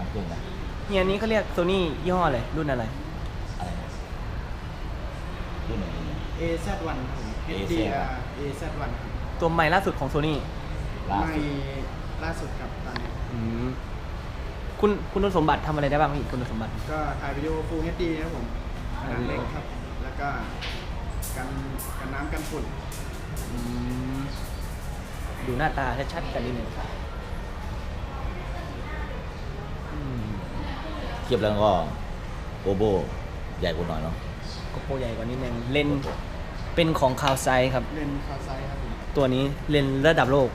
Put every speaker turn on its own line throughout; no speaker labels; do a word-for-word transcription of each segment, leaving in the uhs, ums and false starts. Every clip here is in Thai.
เครื่องนะ
เนี่ยอันนี้เขาเรียกโซนี่ยี่ห้ออะไรรุ่นอะไร
อะไรนะรุ่นไหน
เอ แซด วันครับผม เอช ดี อาร์ เอ แซด วันครับ
ตัวใหม่ล่าสุดของโซนี่
ล่า
ไม่
สุด
ล่าสุดครับตอนนี้
คุณคุณสมบัติทำอะไรได้บ้างพี่คุณสมบัติ
ก็ถ่ายวิดีโอ Full เอช ดี นะครับผมขนาดเล็กครับ แล้วก็กันกันน้ำกันฝุ่น
อืมดูหน้าตาชัดๆกันนิดหนึ่งอืม
เทียบแล้วก็โกโบใหญ่กว่าหน่อยเนาะ
โกโปรใหญ่กว่านิดนึงเลนส์เป็นของคาวไซครับ
เลนส์คาไซครับผม
ตัวนี้เลนส์ระดับโลก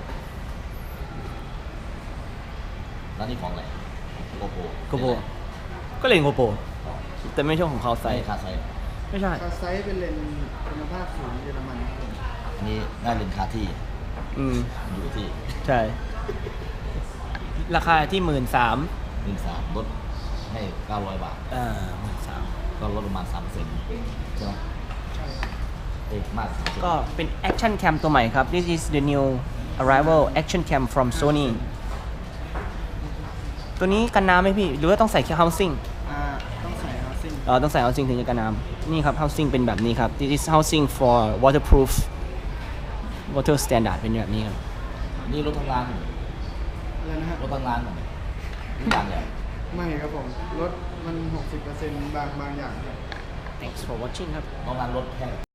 แล้วนี่ของอะไรโกโบ
โกโปรก็เลนส์โกโปรแต่ไม่ใช่ของคาวไซ
ใส่คาไซ
ไม่ใช่
คาไซเป็นเลนส์คุณภาพสูงเยอรมันครับผม
อันนี้น่าเรียนคาที่
อืม
อยู่ที่
ใช่ ราคาที่หมื่นสาม
หนึ่งสามลดให้เก้าร้อยบาท
อ่าหมื่นสาม
ก็ลดประมาณสามเปอร์เซ็นต์ใช่ไหม
ใช่ครับ
เอ้ยมากสามเปอร์เซ็นต์
ก็เป็น Action Cam ตัวใหม่ครับ This is the new arrival Action Cam from Sony ตัวนี้กันน้ำไหมพี่ หรือว่าต้องใส่แค่ housing
อ่าต้องใส่ housing
เออต้องใส่ housing ถึงจะกันน้ำนี่ครับ housing เป็นแบบนี้ครับ This is housing for waterproof water standard เป็นแบบนี้ครับ
นี่รถทำงาน
อะไรนะฮะ
รถทำงานเหรอทุกอย่างเลย
ไม่ครับผม รถมัน หกสิบเปอร์เซ็นต์ บางบางอย่างครับ
Thanks for watching ครับ
ทำงานรถแค่